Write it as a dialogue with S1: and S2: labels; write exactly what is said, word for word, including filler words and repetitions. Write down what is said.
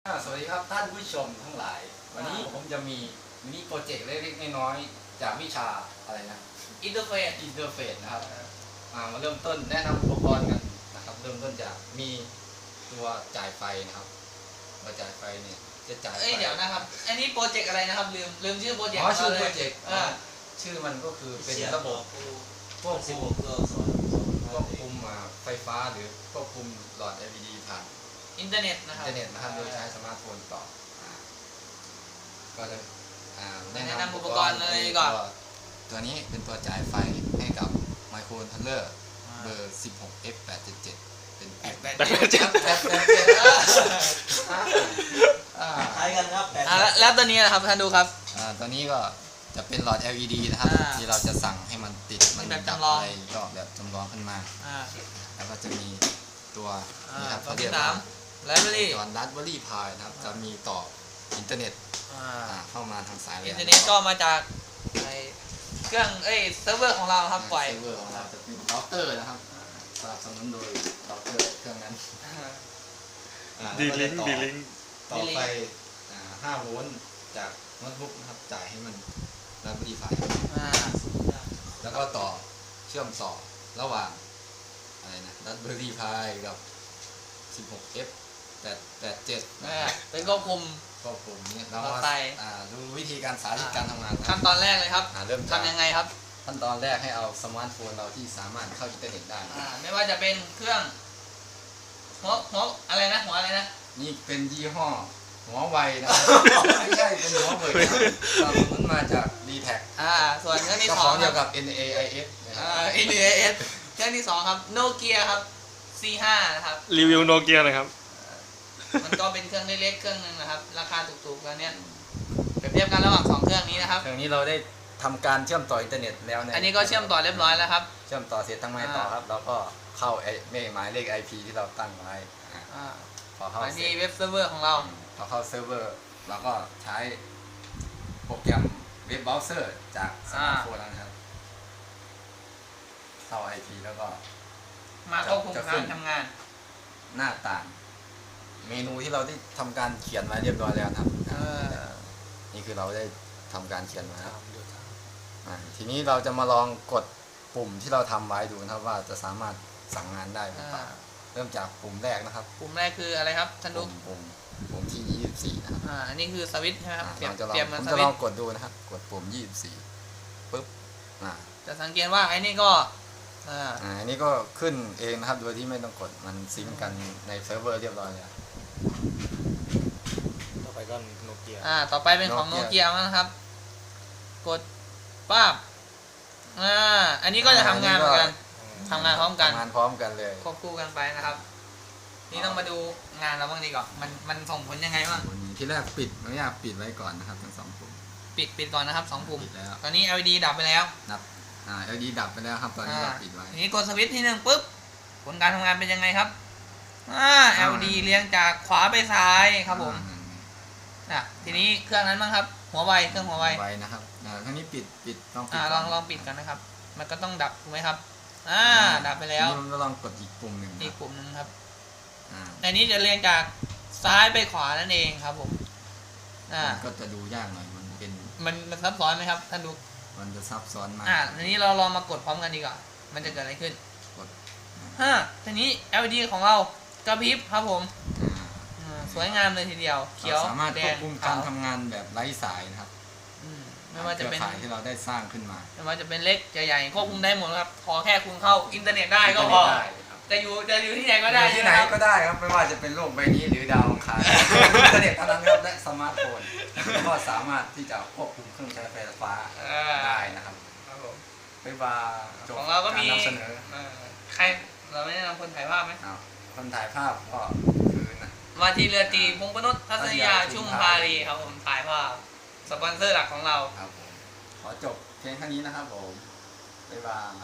S1: สวัสดีครับท่านผู้ชมทั้งหลายวันนี้ผมจะมีมินิโปรเจกต์เล็กๆน้อยๆจากวิชาอะไรนะ
S2: อินเทอร์เฟซ
S1: อินเทอร์เฟซนะครับมาเริ่มต้นแนะนำอุปกรณ์กันนะครับเริ่มต้นจากมีตัวจ่ายไฟนะครับตัวจ่ายไฟเนี่ยจะจ่ายไฟ
S2: เอ้ยเดี๋ยวนะครับอันนี้โปรเจกต์อะไรนะครับลืมลืมชื่อโปรเจกต์
S1: อ๋อชื่อ
S2: ลย
S1: โปรเจกต์
S2: อ่า
S1: ชื่อมันก็คือเป็นระบบควบคุมควบคุมไฟฟ้าหรือควบคุมหลอด แอล อี ดี ผ่าน
S2: อินเทอร์เน็ตนะค
S1: อิ
S2: รับ
S1: นเทอร์เน็ตนะครับโดยใช้สมาร์ทโฟนต่อก็จะแนะนำ
S2: อุปกรณ์เลยก่อน
S1: ตัวนี้เป็นตัวจ่ายไฟให้กับไมโครคอนโทรลเลอร์เบอร์ สิบหก เอฟ แปด เจ็ด เจ็ด เป็นแปด แปด เจ็ด แปด แปด เจ็ด
S3: คล้ายกันครับ
S2: อ่าแล้วตัวนี้นะครับท่านดูครับ
S1: อ่าตัวนี้ก็จะเป็นหลอด แอล อี ดี นะครับที่เราจะสั่งให้มันติดมัน
S2: แบบจำลอง
S1: อะไรก็แบบจำลองขึ้นมาแล้วก็จะมีตัวนี่ครับเขาเรียกว่า
S2: ไลบรารี
S1: จอห์นรัสเบอรี่พายนะครับจะมีต่ออินเทอร์เน็ตเข้ามาทางสาย
S2: อินเทอร์เน็ตก็มาจากเครื่องเอ้ยเซิร์ฟเวอร์ของเราครับปล่อย
S1: เซิร์ฟเวอร์ของเราจะเป็นเราเตอร์นะครับสนับสนุนโดยเราเตอร์เครื่องนั้น
S3: ดีลิงก์ดีลิงก์
S1: ต่อไฟห้าโวลต์จากโน้ตบุ๊กนะครับจ่ายให้มันรัสเบอรี่พายแล้วก็ต่อเชื่อมต่อระหว่างอะไรนะรัสเบอรี่พายกับ สิบหก เอฟ แปด แปด เจ็ด
S2: เป็นควบคุม
S1: ควบคุมเนี่ยเรามาดูวิธีการสาธิตการทำงาน
S2: ขั้นตอนแรกเลยครับ
S1: เริ่ม
S2: ทำยังไงครับ
S1: ขั้นตอนแรกให้เอาสมาร์ทโฟนเราที่สามารถเข้าอินเทอร์เน็ตได้
S2: ไม่ว่าจะเป็นเครื่องหัวหัวอะไรนะหัวอะไรนะ
S1: นี่เป็นยี่ห้อหัวไวนะไม่ใช่เป็นหัวเว่ยเราคุ้นมาจาก ดี แท็ก
S2: อ่าส่วนเครื่องที่สอง
S1: เกี่ยวกับ เอ็น เอ ไอ เอส
S2: อ่า เอ็น เอ ไอ เอส เครื่องที่สองครับโนเกียครับ ซี ห้า นะครับ
S3: รีวิวโนเกียหน่อยครับ
S2: มันก็เป็นเครื่องเล็กๆเครื่องนึงนะครับราคาถูกๆแล้วเนี้ยเปรียบเทียบกันระหว่างสองเครื่องนี้นะครับ
S1: เครื่องนี้เราได้ทำการเชื่อมต่ออินเทอร์เน็ตแล้วเนี่ย
S2: อันนี้ก็เชื่อมต่อเรียบร้อยแล้วครับ
S1: เชื่อมต่อเสร็จทั้งไม้ต่อครับเราก็เข้าไอ้หมายเลข ไอ พี ที่เราตั้งไว้
S2: พอเข้าที่เว็บเซิร์ฟเวอร์ของเรา
S1: พอเข้าเซิร์ฟเวอร์เราก็ใช้โปรแกรมเว็บเบราว์เซอร์จากสมาร์ทโฟนนะครับเข้า ไอ พี แล้วก็
S2: มาควบคุมการทำงาน
S1: หน้าต่างเมนูที่เราได้ทำการเขียนไว้เรียบร้อยแล้วครับนี่คือเราได้ทำการเขียนไว้ทีนี้เราจะมาลองกดปุ่มที่เราทำไว้ดูนะครับว่าจะสามารถสั่งงานได้หรือเปล่าเริ่มจากปุ่มแรกนะครับ
S2: ปุ่มแรกคืออะไรครับท่านดู
S1: ปุ่มปุ่มที่ยี่สิบสี่นะครับ
S2: อ่าอันนี้คือสวิตช์ใช่ไหมครับ
S1: เปลี่ยนมันสวิตช์ผมจะลองกดดูนะครับกดปุ่มยี่สิบสี่ปุ๊บ
S2: จะสังเกตว่าไอ้นี่ก็
S1: อ่าอันนี้ก็ขึ้นเองนะครับโดยที่ไม่ต้องกดมันซิงก์กันในเซิร์ฟเวอร์เรียบร้อยแล้ว
S3: ต่อไปก็โนเกีย
S2: อ่าต่อไปเป็นของโนเกียนะครับกดปั๊บอ่าอันนี้ก็จะทำงานเหมือนกันทำงานพร้อมกัน
S1: ทำงานพร้อมกันเลย
S2: ควบคู่กันไปนะครับนี่ต้องมาดูงานเราบ้างดีกว่ามันมันส่งผลยังไงบ้าง
S1: ที่แรกปิดไม่อยากปิดไว้ก่อนนะครับทั้งสองปุ่ม
S2: ปิดปิดก่อนนะครับสองปุ่มตอนนี้ แอล อี ดี ดับไปแล้ว
S1: ดับอ่า แอล อี ดี ดับไปแล้วครับตอนนี้เราปิดไว้
S2: นี้กดสวิตช์ที่หนึ่งปุ๊บผลการทำงานเป็นยังไงครับอ่า แอล อี ดี เลี้ยงจากขวาไปซ้ายครับผมอ่ะทีนี้เครื่องนั้นบ้างครับหัวไวเครื่องหัวไว
S1: ไวนะครับอ่าครั้งนี้ปิดปิด
S2: ลองปิดอ่าลองลองปิดกันนะครับมันก็ต้องดับถูกไหมครับอ่าดับไปแล้ว
S1: นี่เราลองกดอีกปุ่มหนึ่ง
S2: อีกปุ่มหนึ่งครับอันนี้จะเรียงจากซ้ายไปขวานั่นเองครับผม
S1: อ่าก็จะดูยากหน่อยมันเป็น
S2: มันมันซับซ้อนไหมครับท่านดู
S1: มันจะซับซ้อนมาก
S2: อ่าทีนี้เราลองมากดพร้อมกันดีกว่ามันจะเกิดอะไรขึ้นกดฮะทีนี้ แอล อี ดี ของเรากระพริบครับผมสวยงามเลยทีเดียวเขียว
S1: สามารถควบคุมการทำงานแบบไร้สายนะครับ
S2: ไม่ว่าจะเป็น
S1: ที่เราได้สร้างขึ้นมา
S2: ไม่ว่าจะเป็นเล็กจะใหญ่ควบคุมได้หมดครับขอแค่คุณเข้าอินเทอร์เน็ตได้ก็พอจะอยู่จะอยู่ที่ไหนก็ได้
S1: ที่ไหนก็ได้ครับไม่ว่าจะเป็นโลกใบนี้หรือดาวอังคารอินเทอร์เน็ตเท่านั้นครับและสมาร์ทโฟนก็สามารถที่จะควบคุมเครื่องใช้ไฟฟ้าได้นะครับบ๊ายบาย
S2: ของเราก็มี
S1: นำเสนอ
S2: ใครเราไม่แนะนำคนถ่ายภาพไหม
S1: คนถ่ายภาพก็คือนะ
S2: มาทีเรือตีพงปนุษทัศนียาชุ่มพารีครับผมถ่ายภาพสปอนเซอร์หลักของเรา
S1: ครับผมขอจบเพียงเท่านี้นะครับผมบ๊ายบาย